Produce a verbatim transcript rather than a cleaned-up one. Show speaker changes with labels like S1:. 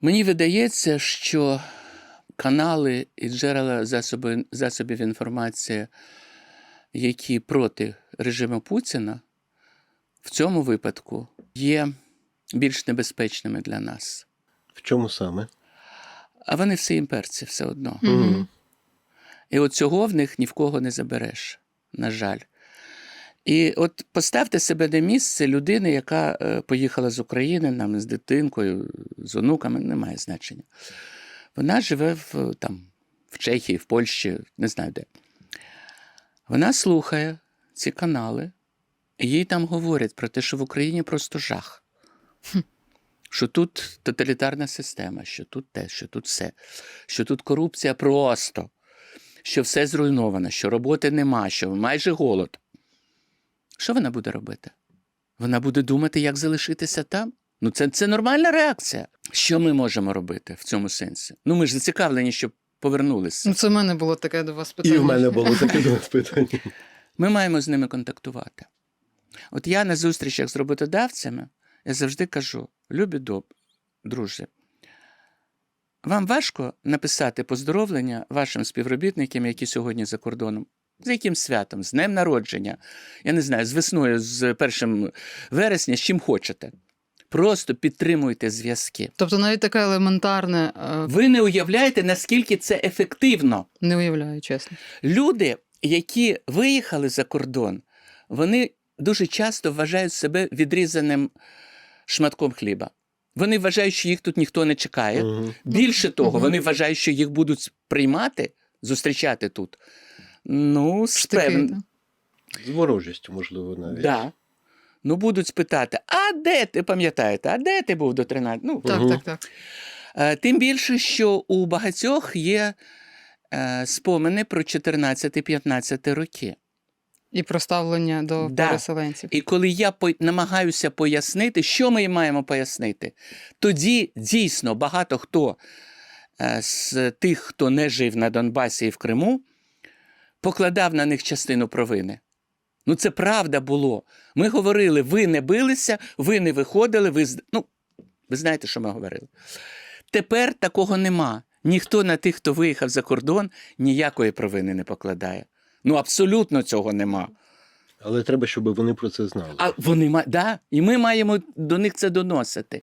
S1: Мені видається, що канали і джерела засоби, засобів інформації, які проти режиму Путіна, в цьому випадку є більш небезпечними для нас.
S2: В чому саме?
S1: А вони всі імперці все одно.
S2: Угу.
S1: І от цього в них ні в кого не забереш, на жаль. І от поставте себе на місце людини, яка е, поїхала з України, нам з дитинкою, з онуками, немає значення. Вона живе в, там, в Чехії, в Польщі, не знаю де. Вона слухає ці канали, і їй там говорять про те, що в Україні просто жах. Що тут тоталітарна система, що тут те, що тут все, що тут корупція просто, що все зруйновано, що роботи нема, що майже голод. Що вона буде робити? Вона буде думати, як залишитися там? Ну це, це нормальна реакція. Що ми можемо робити в цьому сенсі? Ну ми ж зацікавлені, щоб повернулися.
S3: Ну, це в мене було таке до вас питання.
S2: І в мене було таке до вас питання.
S1: Ми маємо з ними контактувати. От я на зустрічах з роботодавцями, я завжди кажу: любі доб, друзі, вам важко написати поздоровлення вашим співробітникам, які сьогодні за кордоном? З яким святом? З днем народження? Я не знаю, з весною, з першим вересня, з чим хочете. Просто підтримуйте зв'язки.
S3: Тобто навіть таке елементарне, е,
S1: Ви не уявляєте, наскільки це ефективно.
S3: не уявляю, чесно.
S1: Люди, які виїхали за кордон, вони дуже часто вважають себе відрізаним шматком хліба. Вони вважають, що їх тут ніхто не чекає.
S2: Угу.
S1: Більше того,
S3: Мгм.
S1: вони вважають, що їх будуть приймати, зустрічати тут. Ну, з
S3: Штики,
S1: певн-
S3: так.
S2: З ворожістю, можливо, навіть.
S1: Да. Ну, будуть спитати: а де ти, пам'ятаєте, а де ти був до тринадцятого? Ну,
S3: Так,
S2: Мгм.
S3: так, так.
S1: е, тим більше, що у багатьох є е, спомини про чотирнадцяти-п'ятнадцяти роки.
S3: І про ставлення до
S1: Да.
S3: переселенців.
S1: І коли я по- намагаюся пояснити, що ми їм маємо пояснити, тоді дійсно багато хто е, з тих, хто не жив на Донбасі і в Криму, покладав на них частину провини. Ну, це правда було. Ми говорили: ви не билися, ви не виходили, ви... з- Ну, ви знаєте, що ми говорили. Тепер такого нема. Ніхто на тих, хто виїхав за кордон, ніякої провини не покладає. Ну, абсолютно цього нема.
S2: Але треба, щоб вони про це знали.
S1: А вони ма... да, і ми маємо до них це доносити.